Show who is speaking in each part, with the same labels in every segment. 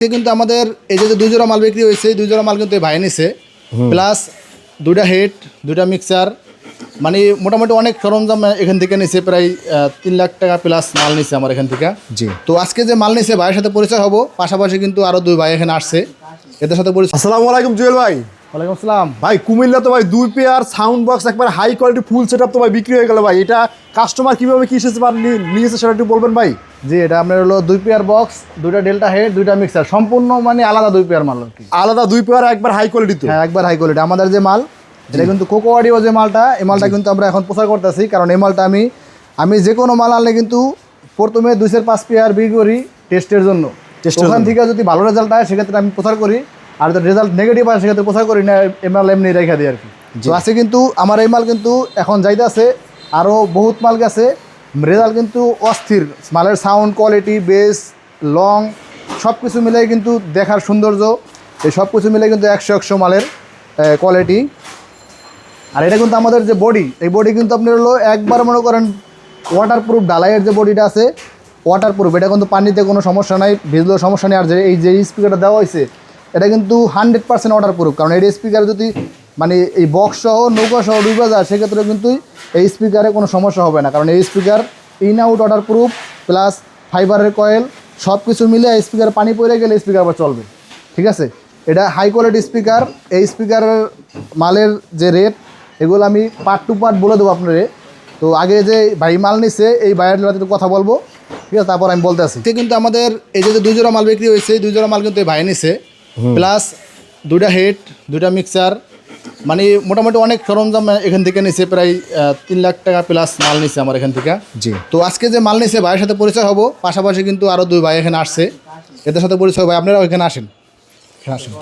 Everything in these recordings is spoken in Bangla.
Speaker 1: কিন্তু আমাদের এই যে দুই জোড়া মাল বিক্রি হয়েছে, দুই জোড়া মাল কিন্তু ভাই নিছে, প্লাস দুইটা হেড, দুইটা মিক্সার, মানে মোটামুটি অনেক সরঞ্জাম এখান থেকে নিছে। প্রায় 3 লাখ টাকা প্লাস মাল নিছে আমার এখান থেকে।
Speaker 2: জি।
Speaker 1: তো আজকে যে মাল নিছে ভাইয়ের সাথে পরিচয় হবো, পাশাপাশি কিন্তু আরো দুই ভাই এখানে আসছে, এদের সাথে পরিচয়।
Speaker 2: আসসালামু আলাইকুম জুয়েল ভাই।
Speaker 1: ওয়ালাইকুম আসসালাম।
Speaker 2: ভাই কুমিল্লা তো ভাই 2 পেয়ার সাউন্ড বক্স একবার হাই কোয়ালিটি ফুল সেটআপ তো ভাই বিক্রি হয়ে গেল ভাই। এটা কাস্টমার কিভাবে কি এসেছে বা নিয়েছে সেটা একটু বলবেন ভাই।
Speaker 1: জি, এটা আপনার হলো 2 পেয়ার বক্স, দুইটা ডেল্টা হেড, দুইটা মিক্সার, সম্পূর্ণ মানে আলাদা 2 পেয়ার মাল আর কি।
Speaker 2: আলাদা 2 পেয়ার একবার হাই কোয়ালিটি তো।
Speaker 1: হ্যাঁ, একবার হাই কোয়ালিটি। আমাদের যে মাল, এটা কিন্তু কোকো অডিও যে মালটা, এই মালটা কিন্তু আমরা এখন প্রচার করতেছি। কারণ এই মালটা আমি যে কোনো মাল আনলে কিন্তু প্রথমে 2-5 পেয়ার বিক্রি করি টেস্টের জন্য। ওখান থেকে যদি ভালো রেজাল্ট হয় সেক্ষেত্রে আমি প্রচার করি, আর যদি রেজাল্ট নেগেটিভ হয় সেক্ষেত্রে প্রচার করি না, এই মাল এমনি রেখে দিই আর কি। তো আছে কিন্তু আমার এই মাল কিন্তু এখন যাইতে আছে, আরও বহুত মাল গেছে, রেজাল্ট কিন্তু অস্থির। মালের সাউন্ড কোয়ালিটি, বেস, লং সব কিছু মিলে কিন্তু দেখার সৌন্দর্য, এই সব কিছু মিলে কিন্তু 100 মালের কোয়ালিটি। আর এটা কিন্তু আমাদের যে বডি, এই বডি কিন্তু আপনার হলো একবার মনে করেন ওয়াটারপ্রুফ, ডালাইয়ের যে বডিটা আছে ওয়াটারপ্রুফ, এটা কিন্তু পানিতে কোনো সমস্যা নাই, ভিজলেও সমস্যা নেই। আর যে এই যে স্পিকারটা দেওয়া হয়েছে এটা কিন্তু 100% ওয়াটারপ্রুফ। কারণ এই স্পিকার যদি মানে এই বক্স সহ নৌকা সহ ডুবে যায় সেক্ষেত্রে কিন্তু এই স্পিকারে কোনো সমস্যা হবে না। কারণ এই speaker in out waterproof, plus ফাইবারের কয়েল, সব কিছু মিলে এই স্পিকার পানি পড়ে গেলে স্পিকার আবার চলবে। ঠিক আছে, এটা হাই কোয়ালিটি স্পিকার। এই স্পিকারের মালের যে রেট, এগুলো আমি পার্ট টু পার্ট বলে দেবো আপনারে। তো আগে যে ভাই মাল নিছে এই ভাইয়ের সাথে কথা বলবো, ঠিক আছে, তারপর আমি বলতে আসি। কিন্তু আমাদের এই যে দুই জোড়া মাল বিক্রি হয়েছে, দুই জোড়া মাল কিন্তু এই ভাই নিছে, প্লাস দুইটা হেড, দুইটা মিক্সার, মানে মোটামুটি অনেক সরঞ্জাম এখান থেকে নিছে। প্রায় 3 লাখ টাকা প্লাস মাল নিছে আমার এখান থেকে।
Speaker 2: জি।
Speaker 1: তো আজকে যে মাল নিছে ভাইয়ের সাথে পরিচয় হবো, পাশাপাশি কিন্তু আরও দুই ভাই এখানে আসছে, এদের সাথে পরিচয় ভাই। আপনারাও এখানে আসেন, এখানে আসেন।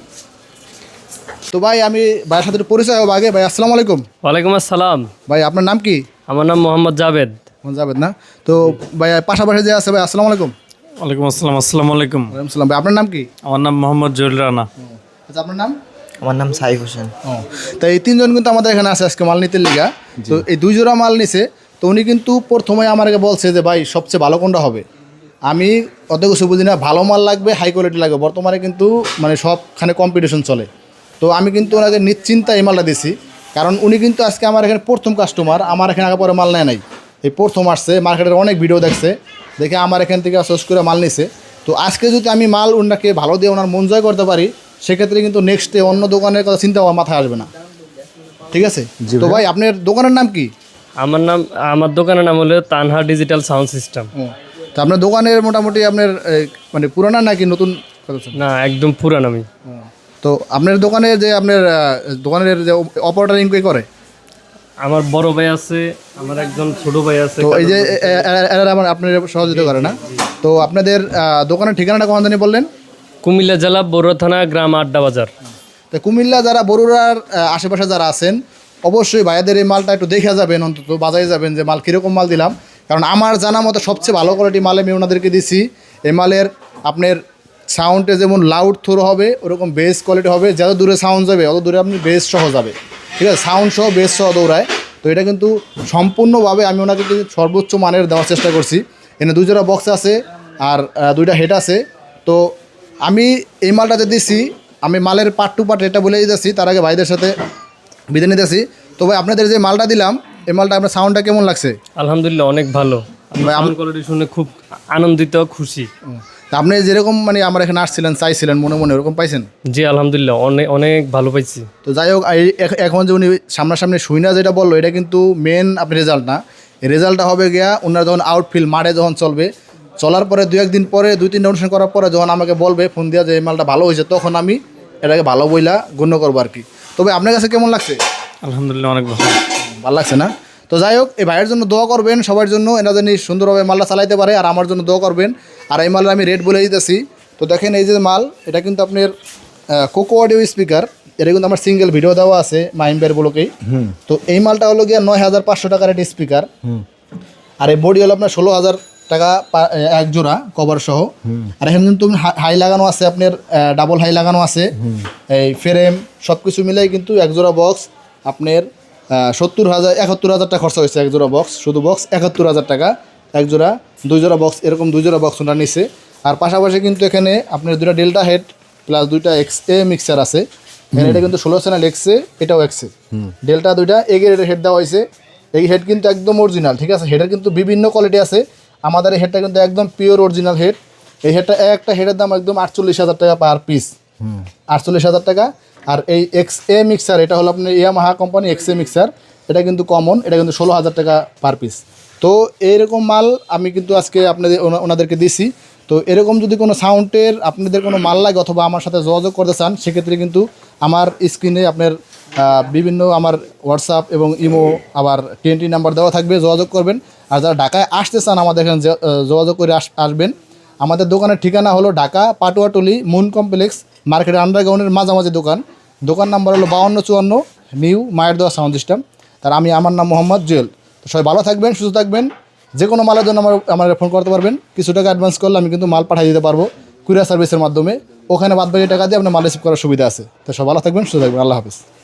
Speaker 1: তো ভাই আমি ভাইয়ের সাথে পরিচয় হবো আগে। ভাই আসসালামু আলাইকুম।
Speaker 3: ওয়ালাইকুম আসসালাম।
Speaker 1: ভাই আপনার নাম কি?
Speaker 3: আমার নাম মোহাম্মদ জাভেদ।
Speaker 1: যাবেন না? তো ভাই পাশাপাশি যে আছে ভাই, আসসালামু আলাইকুম।
Speaker 4: ওয়ালাইকুম আসসালাম। আসসালামু আলাইকুম।
Speaker 1: ওয়ালাইকুম সালাম। ভাই আপনার নাম কি?
Speaker 4: আমার নাম মোহাম্মদ জহুল রানা।
Speaker 1: আচ্ছা, আপনার নাম?
Speaker 5: আমার নাম সাইফ হোসেন।
Speaker 1: ও, তো এই তিনজন কিন্তু আমাদের এখানে আছে আজকে মাল নিতে লিগা। তো এই দুই জোড়া মাল নিছে, তো উনি কিন্তু প্রথমে আমাকে বলছে যে ভাই সবচেয়ে ভালো কোনটা হবে। আমি অত কিছু বুঝি না, ভালো মাল লাগবে, হাই কোয়ালিটি লাগবে। বর্তমানে কিন্তু মানে সবখানে কম্পিটিশন চলে। তো আমি কিন্তু ওনাকে নিশ্চিন্তা এই মালটা দিছি, কারণ উনি কিন্তু আজকে আমার এখানে প্রথম কাস্টমার। আমার এখানে আগে পরে মাল নেয় নাই, এই প্রথম আসছে, মার্কেটের অনেক ভিডিও দেখছে, দেখে আমার এখান থেকে চয়েস করে মাল নিছে। তো আজকে যদি আমি মাল ওনাকে ভালো দিয়ে ওনার মন জয় করতে পারি, সেক্ষেত্রে কিন্তু নেক্সটে অন্য দোকানের কথা চিন্তা আমার মাথায় আসবে না। ঠিক আছে? তো ভাই আপনার দোকানের নাম কি?
Speaker 3: আমার দোকানের নাম হলো তানহা ডিজিটাল সাউন্ড সিস্টেম।
Speaker 1: তো আপনার দোকানের মোটামুটি আপনার মানে পুরানা নাকি নতুন?
Speaker 3: না, একদম পুরান আমি।
Speaker 1: তো আপনার দোকানে যে আপনার দোকানের যে অপারেটর কে করে?
Speaker 3: আমার বড় ভাই আছে, আমার একজন ছোট ভাই আছে।
Speaker 1: তো এই যে এরা আমার আপনার সহযোগিতা করে না? তো আপনাদের দোকানের ঠিকানাটা কোন জানি বললেন?
Speaker 3: কুমিল্লা জেলা বড়ুয়া থানা, গ্রাম আড্ডা বাজার।
Speaker 1: তো কুমিল্লা যারা বরুড়ার আশেপাশে যারা আছেন, অবশ্যই ভাইয়াদের এই মালটা একটু দেখে যাবেন, অন্তত বাজারে যাবেন যে মাল কীরকম মাল দিলাম। কারণ আমার জানা মতো সবচেয়ে ভালো কোয়ালিটি মাল আমি ওনাদেরকে দিছি। এই মালের আপনার সাউন্ডে যেমন লাউড থ্রো হবে, ওরকম বেস কোয়ালিটি হবে। যত দূরে সাউন্ড যাবে অত দূরে আপনি বেস সহ যাবে। ঠিক আছে, সাউন্ড সহ বেস সহ দৌড়ায়। তো এটা কিন্তু সম্পূর্ণভাবে আমি ওনাকে কিন্তু সর্বোচ্চ মানের দেওয়ার চেষ্টা করছি। এখানে 2 জোড়া বক্স আছে আর 2টা হেড আছে। তো আমি এই মালটা যে দিছি, আমি মালের পার্ট টু পার্ট এটা বলে দিতেছি, তার আগে ভাইদের সাথে বিদায় নিতেছি। তো ভাই আপনাদের যে মালটা দিলাম, এই মালটা আপনার সাউন্ডটা কেমন লাগছে?
Speaker 3: আলহামদুলিল্লাহ, অনেক ভালো। সাউন্ড কোয়ালিটি শুনে খুব আনন্দিত, খুশি।
Speaker 1: তা আপনি যেরকম মানে আমার এখানে আসছিলেন, চাইছিলেন, মনে মনে ওরকম পাইছেন?
Speaker 3: জি আলহামদুলিল্লাহ, অনেক অনেক ভালো পাইছি।
Speaker 1: তো যাই হোক, এখন যে উনি সামনাসামনি শুইনা যেটা বললো, এটা কিন্তু মেন আপনি রেজাল্ট না। এই রেজাল্টটা হবে গিয়া ওনারা যখন আউটফিল্ড মাঠে যখন চলবে, চলার পরে 2-1 দিন পরে, 2-3টা অনুষ্ঠান করার পরে যখন আমাকে বলবে ফোন দিয়া যে এই মালটা ভালো হয়েছে, তখন আমি এটাকে ভালো বইলা গণ্য করবো আর কি। তবে আপনার কাছে কেমন লাগছে?
Speaker 4: আলহামদুলিল্লাহ, অনেক ভালো।
Speaker 1: ভালো লাগছে না? তো যাই হোক, এই ভাইয়ের জন্য দোয়া করবেন, সবার জন্য, এরা যেন সুন্দরভাবে মালটা চালাইতে পারে। আর আমার জন্য দোয়া করবেন। আর এই মালের আমি রেট বলে দিতেছি। তো দেখেন এই যে মাল, এটা কিন্তু আপনার কোকো অডিও স্পিকার। এটা কিন্তু আমার সিঙ্গেল ভিডিও দেওয়া আছে মাহিমবের ব্লকেই। তো এই মালটা হলো গিয়া 9,500 টাকার একটা স্পিকার। আর এই বডি হলো আপনার 16,000 টাকা এক জোড়া কভার সহ। আর এখানে কিন্তু হাই লাগানো আছে, আপনার ডাবল হাই লাগানো আছে, এই ফ্রেম সব কিছু মিলাই কিন্তু এক জোড়া বক্স আপনার 71,000 টাকা খরচা হয়েছে। এক জোড়া বক্স, শুধু বক্স 71,000 টাকা এক জোড়া। 2 জোড়া বক্স, এরকম 2 জোড়া বক্স ওনারা নিছে। আর পাশাপাশি কিন্তু এখানে আপনার দুটা ডেল্টা হেড প্লাস দুইটা এক্সএ মিক্সার আছে। এখানে এটা কিন্তু 16 চ্যানেল এক্সএ, এটাও এক্সএ। ডেল্টা দুইটা এ গ্রেডের হেড দেওয়া হয়েছে। এই হেড কিন্তু একদম অরিজিনাল, ঠিক আছে। হেডের কিন্তু বিভিন্ন কোয়ালিটি আছে, আমাদের এই হেডটা কিন্তু একদম পিওর অরিজিনাল হেড। এই হেডটা একটা হেডের দাম একদম 48,000 টাকা পার পিস, 48,000 টাকা। আর এই এক্সএ মিক্সার এটা হলো আপনার ইয়ামাহা কোম্পানি এক্সএ মিক্সার, এটা কিন্তু কমন, এটা কিন্তু 16,000 টাকা পার পিস। তো এইরকম মাল আমি কিন্তু আজকে আপনাদের ওনাদেরকে দিছি। তো এরকম যদি কোনো সাউন্ডের আপনাদের কোনো মাল লাগে অথবা আমার সাথে যোগাযোগ করতে চান, সেক্ষেত্রে কিন্তু আমার স্ক্রিনে আপনার বিভিন্ন আমার হোয়াটসঅ্যাপ এবং ইমো আবার TNT নাম্বার দেওয়া থাকবে, যোগাযোগ করবেন। আর যারা ঢাকায় আসতে চান আমাদের এখানে যোগাযোগ করে আসবেন। আমাদের দোকানের ঠিকানা হলো ঢাকা পাটুয়াটলি মুন কমপ্লেক্স মার্কেটের আন্ডারগ্রাউন্ডের মাঝামাঝি দোকান নাম্বার হলো 5254 নিউ মায়ের দোয়া সাউন্ড সিস্টেম। তার আমার নাম মোহাম্মদ জুয়েল। তো সবাই ভালো থাকবেন, সুস্থ থাকবেন। যে কোনো মালের জন্য আমার ফোন করতে পারবেন। কিছু টাকা অ্যাডভান্স করলে আমি কিন্তু মাল পাঠিয়ে দিতে পারবো কুরিয়ার সার্ভিসের মাধ্যমে। ওখানে বাদবাকি টাকা দিয়ে আপনার মাল রিসিভ করার সুবিধা আছে। তো সবাই ভালো থাকবেন, সুস্থ থাকবেন। আল্লাহ হাফিজ।